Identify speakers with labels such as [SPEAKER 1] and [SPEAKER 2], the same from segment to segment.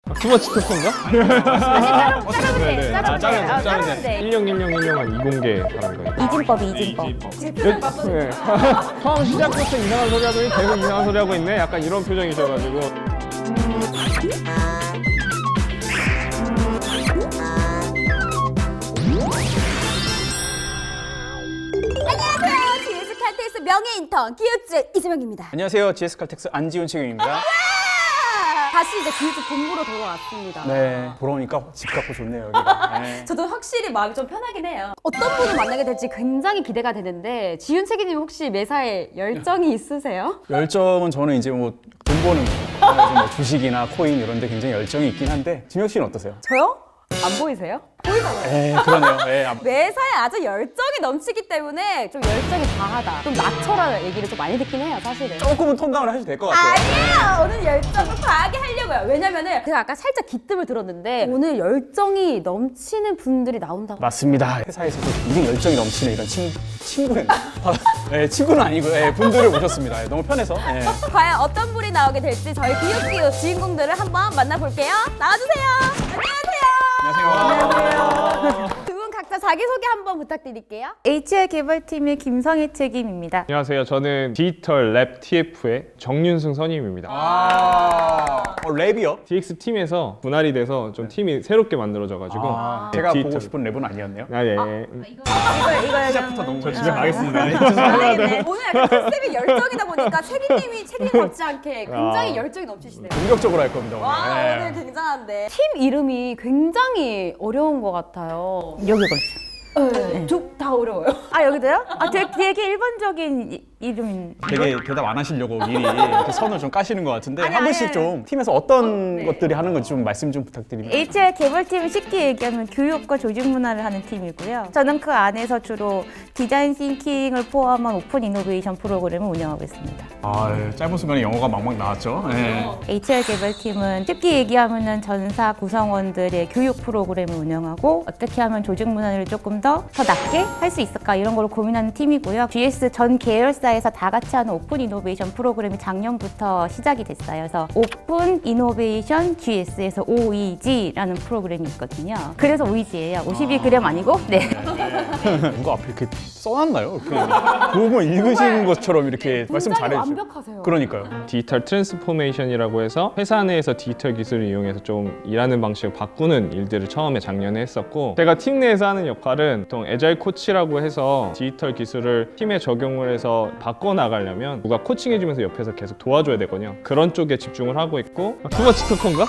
[SPEAKER 1] 투머치 토크인가?
[SPEAKER 2] 자르면 돼.
[SPEAKER 1] 101010한 이공계 하는 거예요.
[SPEAKER 2] 이진법.
[SPEAKER 1] 네. 처음 시작부터 이상한 소리 하더니 계속 이상한 소리 하고 있네? 약간 이런 표정이셔가지고.
[SPEAKER 2] 안녕하세요. GS 칼텍스 명예 인턴 기획주 이수명입니다.
[SPEAKER 3] 안녕하세요. GS 칼텍스 안지훈 책임입니다.
[SPEAKER 2] 다시 이제 기획주 본부로 돌아왔습니다.
[SPEAKER 3] 네, 돌아오니까 집 같고 좋네요, 여기가. 네.
[SPEAKER 2] 저도 확실히 마음이 좀 편하긴 해요. 어떤 분을 만나게 될지 굉장히 기대가 되는데 지윤 책임님 혹시 매사에 열정이 있으세요?
[SPEAKER 3] 열정은 저는 이제 뭐 돈 버는 거, 그래서 뭐 주식이나 코인 이런 데 굉장히 열정이 있긴 한데 지명 씨는 어떠세요?
[SPEAKER 2] 저요? 안 보이세요?
[SPEAKER 3] 그러네요.
[SPEAKER 2] 매사에 아주 열정이 넘치기 때문에 좀 열정이 과하다. 좀 낮춰라 얘기를 좀 많이 듣긴 해요, 사실은.
[SPEAKER 3] 조금은 톤다운을 하셔도 될 것 같아요.
[SPEAKER 2] 아니에요! 오늘 열정을 과하게 하려고요. 왜냐면은 제가 아까 살짝 기뜸을 들었는데 오늘 열정이 분들이 나온다고.
[SPEAKER 3] 맞습니다. 회사에서도 굉장히 열정이 넘치는 이런 친구는 네, 친구는 아니고 분들을 모셨습니다. 너무 편해서. 네.
[SPEAKER 2] 과연 어떤 분이 나오게 될지 저희 기획기획 주인공들을 한번 만나볼게요. 나와주세요. 안녕하세요. 두 분 각자 자기소개 한번 부탁드릴게요.
[SPEAKER 4] HR 개발팀의 김성희 책임입니다.
[SPEAKER 1] 안녕하세요. 저는 디지털 랩 TF의 정윤승 선임입니다.
[SPEAKER 3] 랩이요?
[SPEAKER 1] DX 팀에서 분할이 돼서 좀 팀이 새롭게 만들어져가지고
[SPEAKER 3] 제가
[SPEAKER 1] 디지털.
[SPEAKER 3] 보고 싶은 랩은 아니었네요.
[SPEAKER 2] 이거
[SPEAKER 3] 시작부터 너무
[SPEAKER 1] 저 집에 가겠습니다.
[SPEAKER 2] 오늘 약간 컨셉이 열정이다 보니까 책임님이 책임받지 않게 굉장히 열정이 넘치시네요.
[SPEAKER 3] 공격적으로 할 겁니다. 오늘.
[SPEAKER 2] 와,
[SPEAKER 3] 네.
[SPEAKER 2] 오늘 굉장한데. 팀 이름이 굉장히 어려운 것 같아요.
[SPEAKER 4] 여기 걸죠.
[SPEAKER 2] 네. 다 어려워요.
[SPEAKER 4] 아 여기도요? 아 되게 일반적인 이름인.
[SPEAKER 3] 되게 대답 안 하시려고 미리 이렇게 선을 좀 까시는 것 같은데
[SPEAKER 4] 아니,
[SPEAKER 3] 한 분씩
[SPEAKER 4] 아니.
[SPEAKER 3] 좀 팀에서 어떤 것들이 하는 건지 좀 말씀 좀 부탁드립니다.
[SPEAKER 4] HR 개발팀은 쉽게 얘기하면 교육과 조직 문화를 하는 팀이고요. 저는 그 안에서 주로 디자인 싱킹을 포함한 오픈 이노베이션 프로그램을 운영하고 있습니다.
[SPEAKER 3] 짧은 순간에 영어가 막막 나왔죠. 네.
[SPEAKER 4] HR 개발팀은 쉽게 얘기하면은 전사 구성원들의 교육 프로그램을 운영하고 어떻게 하면 조직 문화를 조금 더 낮게 할 수 있을까 이런 걸 고민하는 팀이고요. GS 전 계열사에서 다 같이 하는 오픈 이노베이션 프로그램이 작년부터 시작이 됐어요. 그래서 오픈 이노베이션 GS에서 OEG라는 프로그램이 있거든요. 그래서 OEG예요. 52g 아니고? 네.
[SPEAKER 3] 누가 앞에 이렇게 써놨나요? 그거 읽으시는 것처럼 이렇게 말씀
[SPEAKER 2] 굉장히
[SPEAKER 3] 잘해주세요.
[SPEAKER 2] 완벽하세요.
[SPEAKER 3] 그러니까요.
[SPEAKER 1] 디지털 트랜스포메이션이라고 해서 회사 내에서 디지털 기술을 이용해서 좀 일하는 방식을 바꾸는 일들을 처음에 작년에 했었고, 제가 팀 내에서 하는 역할은 보통 애자일 코치라고 해서 디지털 기술을 팀에 적용을 해서 바꿔나가려면 누가 코칭해주면서 옆에서 계속 도와줘야 되거든요. 그런 쪽에 집중을 하고 있고. 투머치 토크인가?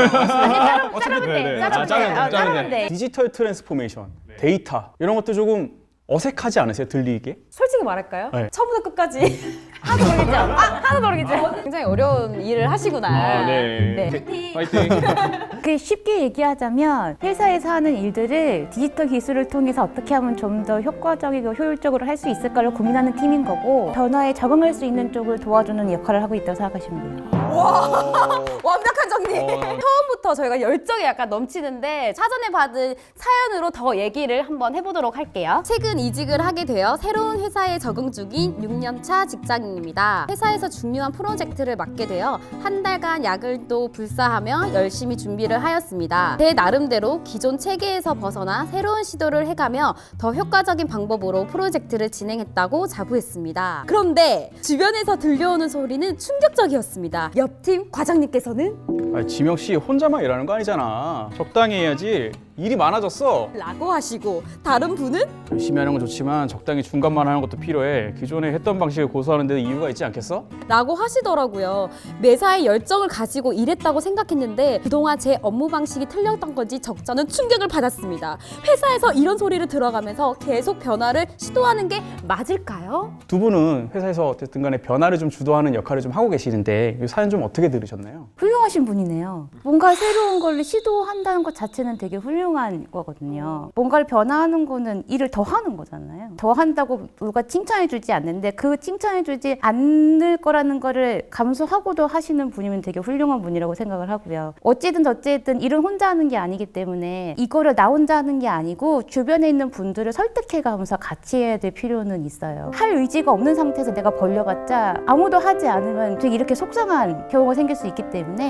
[SPEAKER 4] 자르면 돼.
[SPEAKER 3] 디지털 트랜스포메이션, 데이터 이런 것도 조금 어색하지 않으세요? 들리게?
[SPEAKER 2] 솔직히 말할까요?
[SPEAKER 3] 네.
[SPEAKER 2] 처음부터 끝까지 하나도 모르겠죠? 하나도 모르겠죠? 굉장히 어려운 일을 하시구나.
[SPEAKER 1] 네. 파이팅!
[SPEAKER 4] 그 쉽게 얘기하자면 회사에서 하는 일들을 디지털 기술을 통해서 어떻게 하면 좀 더 효과적이고 효율적으로 할 수 있을까를 고민하는 팀인 거고, 변화에 적응할 수 있는 쪽을 도와주는 역할을 하고 있다고 생각하시면 돼요.
[SPEAKER 2] 완벽한 정리! 처음부터 저희가 열정이 약간 넘치는데 사전에 받은 사연으로 더 얘기를 한번 해보도록 할게요. 최근 이직을 하게 되어 새로운 회사에 적응 중인 6년차 직장인입니다. 회사에서 중요한 프로젝트를 맡게 되어 한 달간 야근도 불사하며 열심히 준비를 하였습니다. 제 나름대로 기존 체계에서 벗어나 새로운 시도를 해가며 더 효과적인 방법으로 프로젝트를 진행했다고 자부했습니다. 그런데 주변에서 들려오는 소리는 충격적이었습니다. 옆팀 과장님께서는
[SPEAKER 3] 지명 씨 혼자만 일하는 거 아니잖아. 적당히 해야지. 일이 많아졌어.
[SPEAKER 2] 라고 하시고, 다른 분은
[SPEAKER 3] 열심히 하는 건 좋지만 적당히 중간만 하는 것도 필요해. 기존에 했던 방식을 고수하는 데는 이유가 있지 않겠어?
[SPEAKER 2] 라고 하시더라고요. 매사에 열정을 가지고 일했다고 생각했는데 그동안 제 업무 방식이 틀렸던 건지 적잖은 충격을 받았습니다. 회사에서 이런 소리를 들어가면서 계속 변화를 시도하는 게 맞을까요?
[SPEAKER 3] 두 분은 회사에서 어쨌든 간에 변화를 좀 주도하는 역할을 좀 하고 계시는데 이 사연 좀 어떻게 들으셨나요?
[SPEAKER 4] 훌륭하신 분이네요. 뭔가 새로운 걸 시도한다는 것 자체는 되게 훌륭한 거거든요. 뭔가를 변화하는 거는 일을 더 하는 거잖아요. 더 한다고 누가 칭찬해주지 않는데 그 칭찬해주지 않을 거라는 거를 감수하고도 하시는 분이면 되게 훌륭한 분이라고 생각을 하고요. 어쨌든 일은 혼자 하는 게 아니기 때문에 이거를 나 혼자 하는 게 아니고 주변에 있는 분들을 설득해가면서 같이 해야 될 필요는 있어요. 할 의지가 없는 상태에서 내가 벌려봤자 아무도 하지 않으면 되게 이렇게 속상한 경우가 생길 수 있기 때문에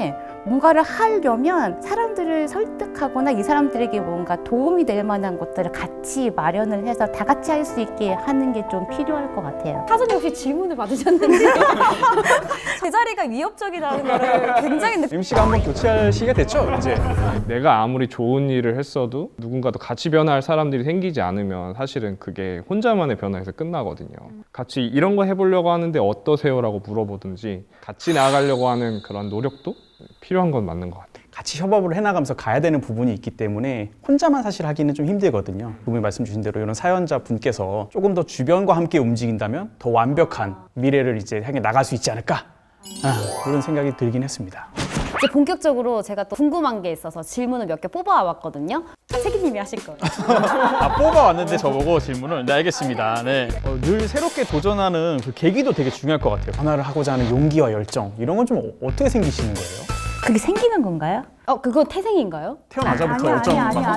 [SPEAKER 4] 뭔가를 하려면 사람들을 설득하거나 이 사람들에게 뭔가 도움이 될 만한 것들을 같이 마련을 해서 다 같이 할 수 있게 하는 게 좀 필요할 것 같아요.
[SPEAKER 2] 사전에 혹시 질문을 받으셨는지 제 자리가 위협적이라는 거를 굉장히
[SPEAKER 3] MC가 한번 교체할 시기가 됐죠, 이제.
[SPEAKER 1] 내가 아무리 좋은 일을 했어도 누군가도 같이 변화할 사람들이 생기지 않으면 사실은 그게 혼자만의 변화에서 끝나거든요. 같이 이런 거 해보려고 하는데 어떠세요? 라고 물어보든지 같이 나아가려고 하는 그런 노력도 필요한 건 맞는 것 같아요.
[SPEAKER 3] 같이 협업을 해나가면서 가야 되는 부분이 있기 때문에 혼자만 사실 하기는 좀 힘들거든요. 그분이 말씀 주신 대로 이런 사연자 분께서 조금 더 주변과 함께 움직인다면 더 완벽한 미래를 이제 향해 나갈 수 있지 않을까? 그런 생각이 들긴 했습니다.
[SPEAKER 2] 이제 본격적으로 제가 또 궁금한 게 있어서 질문을 몇 개 뽑아왔거든요. 책임님이 하실 거예요.
[SPEAKER 5] 뽑아왔는데 저보고 질문을. 네, 알겠습니다. 네. 늘 새롭게 도전하는 그 계기도 되게 중요할 것 같아요.
[SPEAKER 3] 변화를 하고자 하는 용기와 열정 이런 건 좀 어떻게 생기시는 거예요?
[SPEAKER 4] 그게 생기는 건가요?
[SPEAKER 2] 그건 태생인가요?
[SPEAKER 3] 태어나자부터 열정.
[SPEAKER 4] 아니야.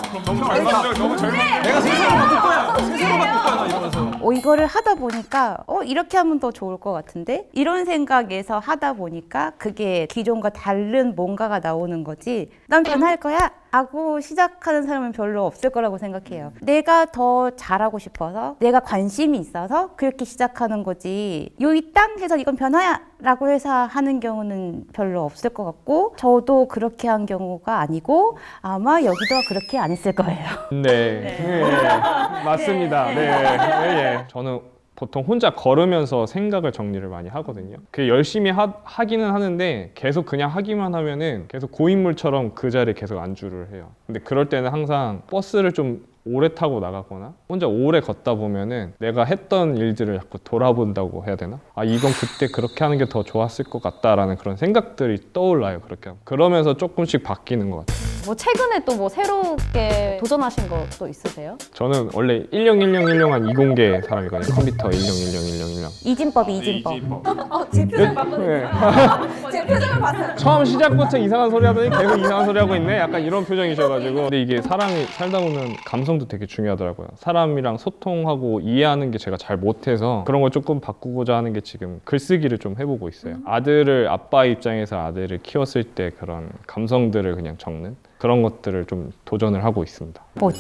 [SPEAKER 4] 이거를 하다 보니까 이렇게 하면 더 좋을 것 같은데 이런 생각에서 하다 보니까 그게 기존과 다른 뭔가가 나오는 거지. 난 변할 거야 하고 시작하는 사람은 별로 없을 거라고 생각해요. 내가 더 잘하고 싶어서 내가 관심이 있어서 그렇게 시작하는 거지. 요이 땅 해서 이건 변화야 라고 해서 하는 경우는 별로 없을 것 같고 저도 그렇게 한 경우가 아니고 아마 여기도 그렇게 안 했을 거예요.
[SPEAKER 1] 네, 맞습니다. 네. 저는 보통 혼자 걸으면서 생각을 정리를 많이 하거든요. 그 열심히 하기는 하는데 계속 그냥 하기만 하면은 계속 고인물처럼 그 자리에 계속 안주를 해요. 근데 그럴 때는 항상 버스를 좀 오래 타고 나가거나 혼자 오래 걷다 보면은 내가 했던 일들을 자꾸 돌아본다고 해야 되나? 이건 그때 그렇게 하는 게 더 좋았을 것 같다라는 그런 생각들이 떠올라요. 그렇게 하면. 그러면서 조금씩 바뀌는 것 같아요.
[SPEAKER 2] 뭐 최근에 또 뭐 새롭게 도전하신 것도 있으세요?
[SPEAKER 1] 저는 원래 101010한 이공계 사람이거든요. 컴퓨터 10101010.
[SPEAKER 4] 이진법이.
[SPEAKER 2] 제 표정 봤거든요.
[SPEAKER 1] 네.
[SPEAKER 2] 제 표정을 봤어요.
[SPEAKER 1] 처음 시작부터 이상한 소리 하더니 계속 이상한 소리 하고 있네. 약간 이런 표정이셔가지고. 근데 이게 사람이 살다 보면 감성도 되게 중요하더라고요. 사람이랑 소통하고 이해하는 게 제가 잘 못해서 그런 걸 조금 바꾸고자 하는 게 지금 글쓰기를 좀 해보고 있어요. 아들을 아빠 입장에서 아들을 키웠을 때 그런 감성들을 그냥 적는 그런 것들을 좀 도전을 하고 있습니다.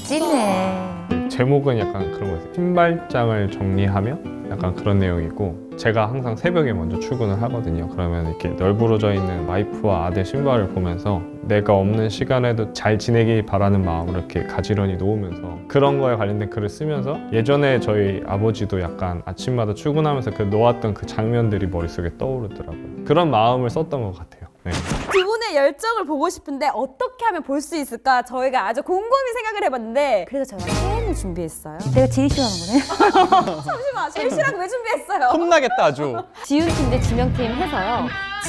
[SPEAKER 4] 멋지네.
[SPEAKER 1] 제목은 약간 그런 거예요. 신발장을 정리하며 약간 그런 내용이고 제가 항상 새벽에 먼저 출근을 하거든요. 그러면 이렇게 널브러져 있는 와이프와 아들 신발을 보면서 내가 없는 시간에도 잘 지내길 바라는 마음을 이렇게 가지런히 놓으면서 그런 거에 관련된 글을 쓰면서 예전에 저희 아버지도 약간 아침마다 출근하면서 그 놓았던 그 장면들이 머릿속에 떠오르더라고요. 그런 마음을 썼던 것 같아요. 네.
[SPEAKER 2] 두 분의 열정을 보고 싶은데 어떻게 하면 볼 수 있을까 저희가 아주 곰곰이 생각을 해봤는데 그래서 저희가 게임을 준비했어요.
[SPEAKER 4] 내가 제일 싫어하는 거네.
[SPEAKER 2] 잠시만 실시랑 왜 준비했어요?
[SPEAKER 3] 혼나겠다 아주.
[SPEAKER 2] 지훈 팀 대 지명 팀 해서요.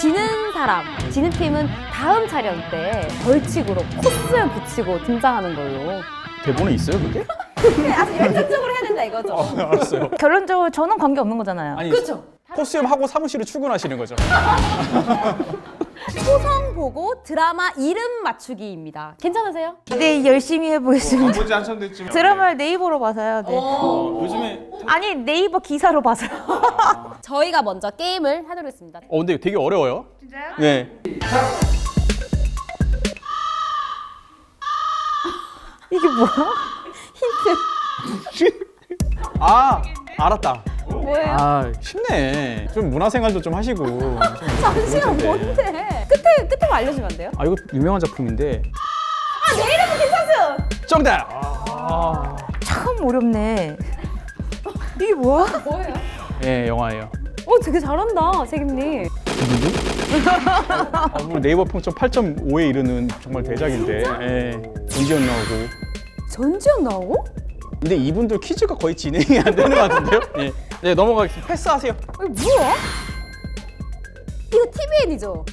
[SPEAKER 2] 지는 팀은 다음 촬영 때 벌칙으로 코스를 붙이고 등장하는 걸로.
[SPEAKER 3] 대본에 있어요 그게?
[SPEAKER 2] 아주 열정적으로 해야 된다 이거죠.
[SPEAKER 3] 알았어요.
[SPEAKER 4] 결론적으로 저는 관계 없는 거잖아요.
[SPEAKER 3] 아니,
[SPEAKER 2] 그렇죠.
[SPEAKER 3] 코스염 하고 사무실에 출근하시는 거죠.
[SPEAKER 2] 소성 보고 드라마 이름 맞추기입니다. 괜찮으세요?
[SPEAKER 4] 네, 열심히 해보겠습니다.
[SPEAKER 1] 아버지 한참 됐지만
[SPEAKER 4] 드라마를 네이버로 봐서요. 네.
[SPEAKER 3] 요즘에
[SPEAKER 4] 아니 네이버 기사로 봐서요.
[SPEAKER 2] 저희가 먼저 게임을 하도록 했습니다.
[SPEAKER 3] 근데 되게 어려워요. 진짜요? 네.
[SPEAKER 4] 이게 뭐야?
[SPEAKER 3] 알았다.
[SPEAKER 2] 뭐예요?
[SPEAKER 3] 쉽네. 좀 문화생활도 좀 하시고.
[SPEAKER 2] 잠시만 뭔데? 끝에 알려주면 안 돼요?
[SPEAKER 3] 이거 유명한 작품인데.
[SPEAKER 2] 내 이름은 괜찮아요.
[SPEAKER 3] 정답.
[SPEAKER 4] 참 어렵네. 이게 뭐야?
[SPEAKER 2] 뭐예요?
[SPEAKER 3] 예, 영화예요.
[SPEAKER 2] 되게 잘한다 책임님.
[SPEAKER 3] 우리 네이버 평점 8.5에 이르는 정말 대작인데. 예. 전지현 나오고.
[SPEAKER 2] 전지현 나오고?
[SPEAKER 3] 근데 이분들 퀴즈가 거의 진행이 안 되는 것 같은데요? 예. 네, 넘어가겠습니다. 패스하세요.
[SPEAKER 2] 이거 뭐야? 이거 TVN이죠?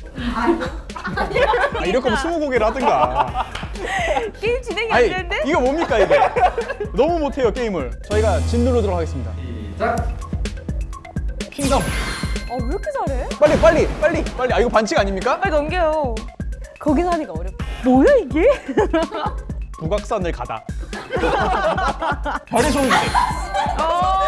[SPEAKER 3] 이럴 거면 20곡을 하든가.
[SPEAKER 4] 게임 진행이
[SPEAKER 3] 아니, 이거 뭡니까 이게? 너무 못해요 게임을. 저희가 진 누르도록 하겠습니다. 시작. 킹덤.
[SPEAKER 2] 왜 이렇게 잘해?
[SPEAKER 3] 빨리. 이거 반칙 아닙니까?
[SPEAKER 4] 빨리 넘겨요.
[SPEAKER 2] 거기서 하니까 어렵다.
[SPEAKER 4] 뭐야 이게?
[SPEAKER 3] 북악산을 가다. 별의 손길.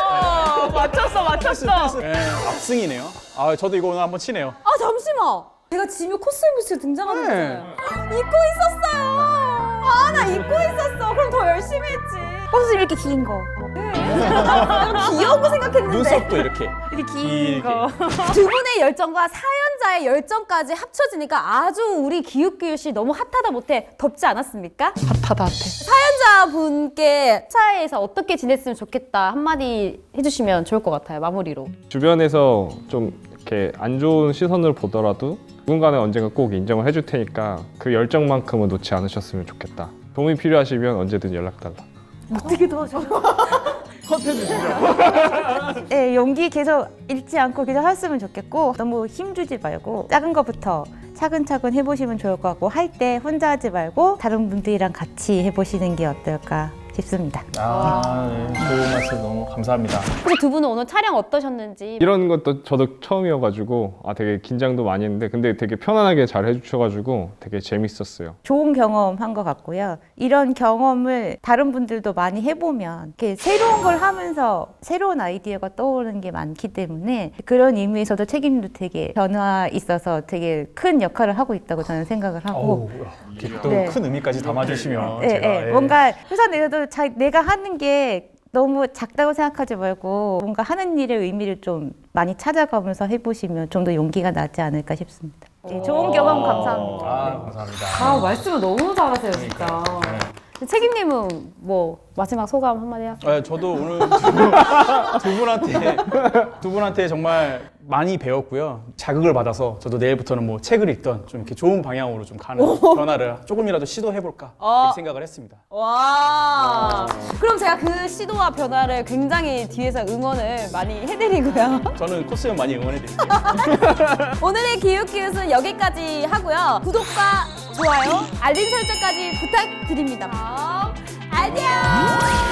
[SPEAKER 4] 맞췄어.
[SPEAKER 3] 네, 압승이네요. 저도 이거 오늘 한번 치네요.
[SPEAKER 2] 잠시만. 제가 지금 코스모스 등장하는
[SPEAKER 3] 네.
[SPEAKER 2] 거잖아요. 잊고 있었어요. 아, 나 잊고 있었어. 그럼 더 열심히 했지.
[SPEAKER 4] 꽃을 이렇게 긴 거.
[SPEAKER 2] 귀여운 거 생각했는데.
[SPEAKER 3] 눈썹도 이렇게.
[SPEAKER 4] 이렇게 긴
[SPEAKER 3] 길게.
[SPEAKER 4] 거.
[SPEAKER 2] 두 분의 열정과 사연자의 열정까지 합쳐지니까 아주 우리 기웃기웃이 너무 핫하다 못해 덥지 않았습니까?
[SPEAKER 3] 핫하다 핫해.
[SPEAKER 2] 사연자분께 회사에서 어떻게 지냈으면 좋겠다 한마디 해주시면 좋을 것 같아요. 마무리로.
[SPEAKER 1] 주변에서 좀 이렇게 안 좋은 시선을 보더라도 누군가는 언젠가 꼭 인정을 해줄 테니까 그 열정만큼은 놓지 않으셨으면 좋겠다. 도움이 필요하시면 언제든 연락 달라.
[SPEAKER 4] 어떻게 도와줘? 네, 용기 계속 잃지 않고 계속 했으면 좋겠고 너무 힘주지 말고 작은 것부터 차근차근 해보시면 좋을 것 같고 할 때 혼자 하지 말고 다른 분들이랑 같이 해보시는 게 어떨까 싶습니다.
[SPEAKER 5] 아, 네. 좋은 말씀 너무 감사합니다.
[SPEAKER 2] 혹시 두 분은 오늘 촬영 어떠셨는지.
[SPEAKER 1] 이런 것도 저도 처음이어가지고 되게 긴장도 많이 했는데 근데 되게 편안하게 잘 해주셔가지고 되게 재밌었어요.
[SPEAKER 4] 좋은 경험한 것 같고요. 이런 경험을 다른 분들도 많이 해보면 이렇게 새로운 걸 하면서 새로운 아이디어가 떠오르는 게 많기 때문에 그런 의미에서도 책임도 되게 변화 있어서 되게 큰 역할을 하고 있다고 저는 생각을 하고
[SPEAKER 3] 이렇게 또
[SPEAKER 4] 네.
[SPEAKER 3] 큰 의미까지 담아주시면
[SPEAKER 4] 네,
[SPEAKER 3] 제가
[SPEAKER 4] 네. 뭔가 회사 내에서도 내가 하는 게 너무 작다고 생각하지 말고 뭔가 하는 일의 의미를 좀 많이 찾아가면서 해보시면 좀 더 용기가 나지 않을까 싶습니다. 네, 좋은 경험 감사합니다.
[SPEAKER 3] 아, 감사합니다.
[SPEAKER 2] 아, 말씀을 너무 잘하세요, 진짜. 책임님은 뭐 마지막 소감 한마디 하세요.
[SPEAKER 3] 네, 저도 오늘 두 분한테 정말 많이 배웠고요. 자극을 받아서 저도 내일부터는 뭐 책을 읽던 좀 이렇게 좋은 방향으로 좀 가는 변화를 조금이라도 시도해볼까 이렇게 생각을 했습니다.
[SPEAKER 2] 와. 그럼 제가 그 시도와 변화를 굉장히 뒤에서 응원을 많이 해드리고요.
[SPEAKER 3] 저는 코스형 많이 응원해드릴게요.
[SPEAKER 2] 오늘의 기웃기웃은 여기까지 하고요. 구독과 좋아요, 알림 설정까지 부탁드립니다. 안녕.